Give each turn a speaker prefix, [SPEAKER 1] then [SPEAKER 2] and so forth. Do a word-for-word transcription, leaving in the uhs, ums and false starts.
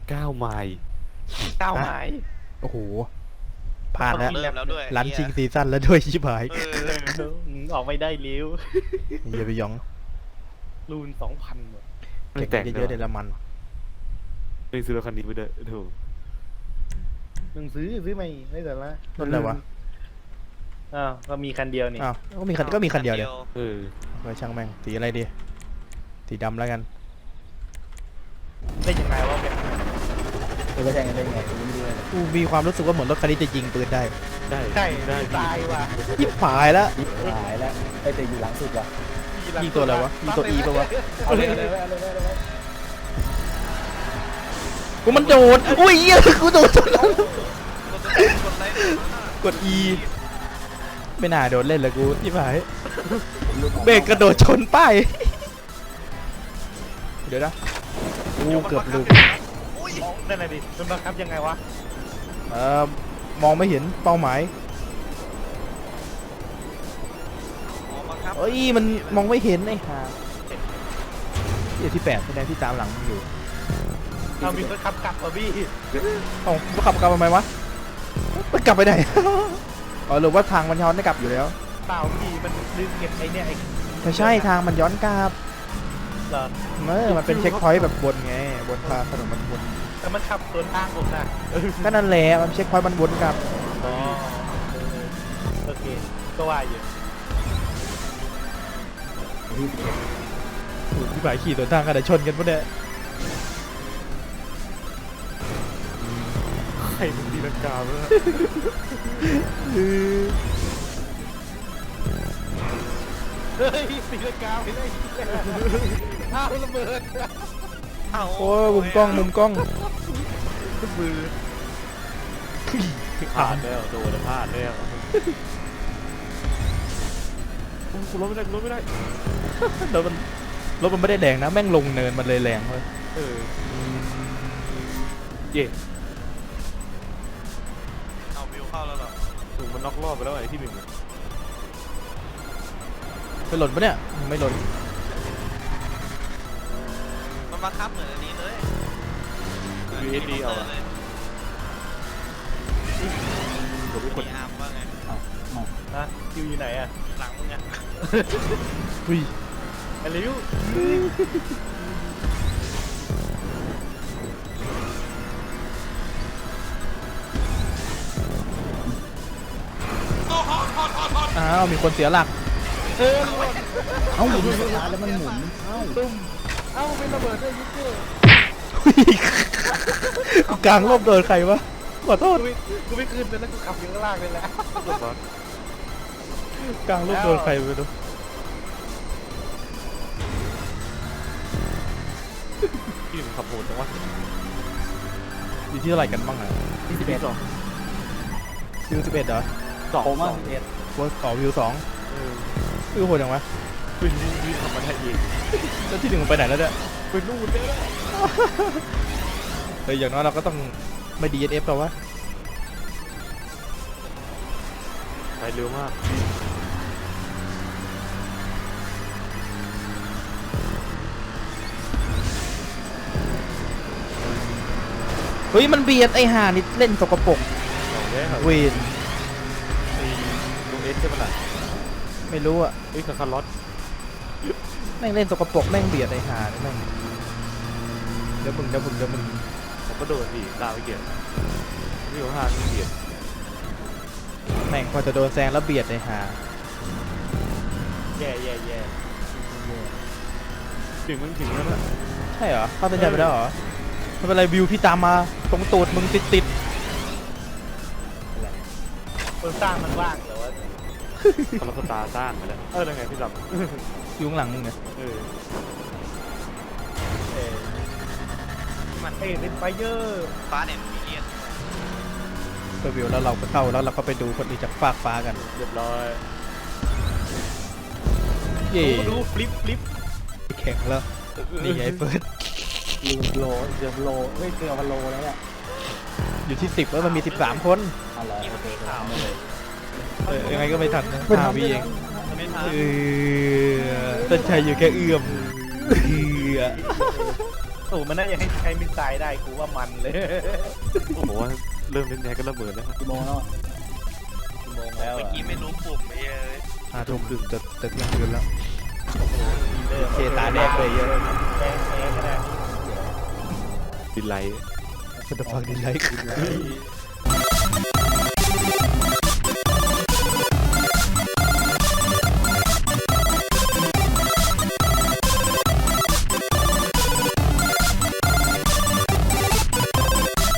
[SPEAKER 1] เก้าไมล์
[SPEAKER 2] เก้าไม้
[SPEAKER 3] โอ้โหผ่านแล้ว
[SPEAKER 4] เริ่มแล้วด้วย
[SPEAKER 3] รันชิงซีซั่นแล้วด้วยชิบหาย
[SPEAKER 4] เออ
[SPEAKER 2] ออกไม่ได้เลี้ยว
[SPEAKER 3] อย่าไปหยอง
[SPEAKER 2] รูนสองพัน
[SPEAKER 1] ไม่แตก
[SPEAKER 3] เยอะๆเดี๋ยวละมัน
[SPEAKER 1] ไม่ซื้อรถคันนี้ไปด้วยถูก
[SPEAKER 2] มึงซื้อซื้อไม่ไม่แต่ละ
[SPEAKER 3] รถอะไรวะ
[SPEAKER 2] อ้าวก็มีคันเดียวนี่
[SPEAKER 3] อ้าวก็มีคันก็มีคันเดียวเลย
[SPEAKER 1] เออ
[SPEAKER 3] ไปช่างแม่งสีอะไรดีสีดำแล้วกัน
[SPEAKER 2] ได้ยังไงวะเนี่ย
[SPEAKER 5] จะไปแทงกันได้ไงกูไม่รู้เลย
[SPEAKER 3] กูมีความรู้สึกว่าเหมือนรถคันนี้จะยิงปืนได้
[SPEAKER 1] ได้
[SPEAKER 2] ใช่
[SPEAKER 1] ได้
[SPEAKER 2] ตายว่ะ
[SPEAKER 3] ยิบหายแล้ว
[SPEAKER 5] ยิบหายแล้วไอ้แต่อยู่หลังสุดว่ะ
[SPEAKER 3] ยิงตัวอะไรวะยิงตัว E ปะวะ
[SPEAKER 5] เอาเลยเอาเลยเอาเลยเอาเลย
[SPEAKER 3] กูมันโดดอุ้ยเหี้ยกูโดดจนแล้ว
[SPEAKER 4] กดไลค์
[SPEAKER 3] กด E ไม่น่าโดดเล่นเลยกูยิบหายเบรกกระโดดชนป้ายเดี๋ยวนะกูเกือบลืม
[SPEAKER 2] นั่นแหละดิมันบังคับยังไงวะ
[SPEAKER 3] เอ่อมองไม่เห็นเป้าหมาย
[SPEAKER 4] อ๋อบังคับ
[SPEAKER 3] เอ้ยมันมองไม่เห็นไอ้ห่าที่ที่แปดแสดงที่ตามหลังมึงอยู่
[SPEAKER 2] เรามีคนขับกลับว่ะพี่
[SPEAKER 3] เอ้ามันขับกลับมาไหมวะมันกลับไปไหน อ๋อหรือว่าทางมันย้อนได้กลับอยู่แล้ว
[SPEAKER 2] เปล่าพี่มันลืมเก็บไอ้เนี่ยไอ้
[SPEAKER 3] ไม่ใช่ทางมันย้อนกลับ
[SPEAKER 2] เหรอ
[SPEAKER 3] เออมันเป็นเช็คพอยต์แบบบนไงบนทางถนนมันบน
[SPEAKER 2] แต่มันขับสวนทางผมนะ
[SPEAKER 3] ก็นั่นแหละมันเช็คพอยต์มันวนกลับ
[SPEAKER 2] อ๋อโอเคก็ว่าอยู่
[SPEAKER 3] ที่ฝ่ายขี่สวนทางกันแต่ชนกันปะเนี่ย
[SPEAKER 1] ใครมึงตีลังกาเมื่อ
[SPEAKER 2] เฮ้ยสีลังกาไปเลยอ้าวระเบิด
[SPEAKER 4] เอ้า
[SPEAKER 3] โอ้ยมุมกล้องมุมกล้อง
[SPEAKER 1] มือพลาดแล้วโดนแล้วพลาดแล้วกูรถไม่ได้กูรถไม่ได้
[SPEAKER 3] รถมันรถมันไม่ได้แรงนะแม่งลงเนินมันเลยแรงเลย
[SPEAKER 1] เออเย่
[SPEAKER 4] เอาวิวเข้าแล้วเหรอ
[SPEAKER 1] ถูกมันน็อกรอบไปแล้วไอ้ที่หนึ่ง
[SPEAKER 3] ไปหล่นปะเนี่ยไม่หล่น
[SPEAKER 4] มันบังคับเหมือนอันนี้เลย
[SPEAKER 1] ยูเอสดีเอา
[SPEAKER 4] เล
[SPEAKER 1] อะ
[SPEAKER 4] ย
[SPEAKER 1] ผมทุกคน
[SPEAKER 4] มีอาร์มว่าไง
[SPEAKER 2] นะคิวอยู่ไหนอะ
[SPEAKER 4] หลังมึงอะ
[SPEAKER 3] อุ้ย
[SPEAKER 2] ไอ้ลิว
[SPEAKER 3] อ้าวมีคนเสียหลัก
[SPEAKER 2] เออ
[SPEAKER 5] เอ้าอยู่สตาร์ทแล้วมันหมุนเอ้า
[SPEAKER 2] ตุ้มเอ้าเป็นระเบิดด้วยยุคเกอร์
[SPEAKER 3] กูกลางร่มโดนใครวะขอโทษ
[SPEAKER 2] กูไม่กูไม่ขึ้นเลยแล้วกูขับอยู่ข้างล่างเลยแหละ
[SPEAKER 3] กลางร่มโดนใครไปดู
[SPEAKER 1] ที่หนึ่งขับโหดจังวะ
[SPEAKER 3] อยู่ที่เท่าไหร่กันบ้างอ่ะ
[SPEAKER 5] ที่สิบเอ็ด
[SPEAKER 1] สอง
[SPEAKER 3] วิวสิบเอ็ดเหรอ
[SPEAKER 1] สอง
[SPEAKER 5] โคม่า
[SPEAKER 1] สอง
[SPEAKER 5] สิบเอ็ด
[SPEAKER 3] ว่าต่อวิวสอง
[SPEAKER 1] เออ
[SPEAKER 3] วิวโหดจังวะ
[SPEAKER 1] เป็นวิ่งวิ่งขับมาได้เอง
[SPEAKER 3] แล้วที่หนึ่งมันไปไหนแล้วเนี่ย
[SPEAKER 1] เป็นนู่นเลย
[SPEAKER 3] เฮ้ยอย่างน้อยเราก็ต้องไม่ ดี เอส เอฟ หรอวะ
[SPEAKER 1] ไปเร็วมาก
[SPEAKER 3] เฮ้ยมันเบียดไอ้ห่านี่เล่นสกปรก
[SPEAKER 1] สองแย่ครับ
[SPEAKER 3] เวน
[SPEAKER 1] ไอ้ลุงเอสใช่ปะล่ะ
[SPEAKER 3] ไม่รู้อ่ะ
[SPEAKER 1] เอ้ยคาคาร์ลอส
[SPEAKER 3] แม่งเล่นสกปรกแม่งเบียดไอ้ห่านี่แม่งเดี๋ยวมึงเดี๋ยวมึงเดี๋ยวมึง
[SPEAKER 1] ผมก็โดนดิตามไปเกียรนี่ของห้างนี่เกียร
[SPEAKER 3] แม่งพอจะโดนแซงแล้วเบียดไอ้ห่า
[SPEAKER 2] แย่แย่แย่
[SPEAKER 1] ถึงมันถึงแล้วน่ะ
[SPEAKER 3] ใช่เหรอเข้าเส้นชัยไปแล้วเหรอไม่เป็นไรวิวพี่ตามมาตรงตูดมึงติดติด
[SPEAKER 2] คนสร้างมันว่างเหรอวะ
[SPEAKER 1] คาร์ลอสตาร์สร้างไปแล้วเออยังไงพี่ดับ
[SPEAKER 3] ๆอยู่ข้างหลังมึงไง
[SPEAKER 1] เออ
[SPEAKER 2] เออมันเอ้ยเป็นไฟเยอร์
[SPEAKER 4] ฟ้าเนี่ยมีเลียน
[SPEAKER 3] ไปวิวแล้วเราก็เข้าแล้วเราก็ไปดูคนอื่นจากฟากฟ้ากัน
[SPEAKER 1] เรียบร้อย
[SPEAKER 3] เย่
[SPEAKER 2] ดูฟลิปฟลิป
[SPEAKER 3] แข่งแล้วนี่ไงเฟิร์ส
[SPEAKER 5] ลืมโลเกือบโลเฮ้ยเกือบพันโลแล้วเนี่ย
[SPEAKER 3] อยู่ที่สิบแล้วมันมีสิบสามคน
[SPEAKER 5] เอาเหรอ
[SPEAKER 4] ที่
[SPEAKER 5] โอ
[SPEAKER 4] มัน
[SPEAKER 5] เค
[SPEAKER 4] มีข่าว
[SPEAKER 5] ไม่เลย
[SPEAKER 3] เออยังไงก็ไม่ทันนะห้าวิเอง
[SPEAKER 4] ไม่ทัน
[SPEAKER 3] เออต้นชัยอยู่แค่เอื้อมเอื้อ
[SPEAKER 2] โอ้มันน่าจะให้ใช้มิสไซล์ได้กูว่ามันเลย
[SPEAKER 1] ผมว่าเริ่มเล่นแนก็ระเบิดแล้ว
[SPEAKER 5] กี่โมงแล้วอะ
[SPEAKER 2] กี่โมงแล้ว
[SPEAKER 4] เมื่อ
[SPEAKER 2] อ่ะ
[SPEAKER 4] กี้ไม่รู้ปุ่มไอ้เอ้ย
[SPEAKER 3] ห้าทุ่มครึ่งจะจะเที่ยงคืนแล้ว
[SPEAKER 2] เคตาแดงเลยเยอะแดงแดงก็ได้
[SPEAKER 1] ดินไลท์
[SPEAKER 3] มันจะฟังดีไลค์
[SPEAKER 2] ไอ้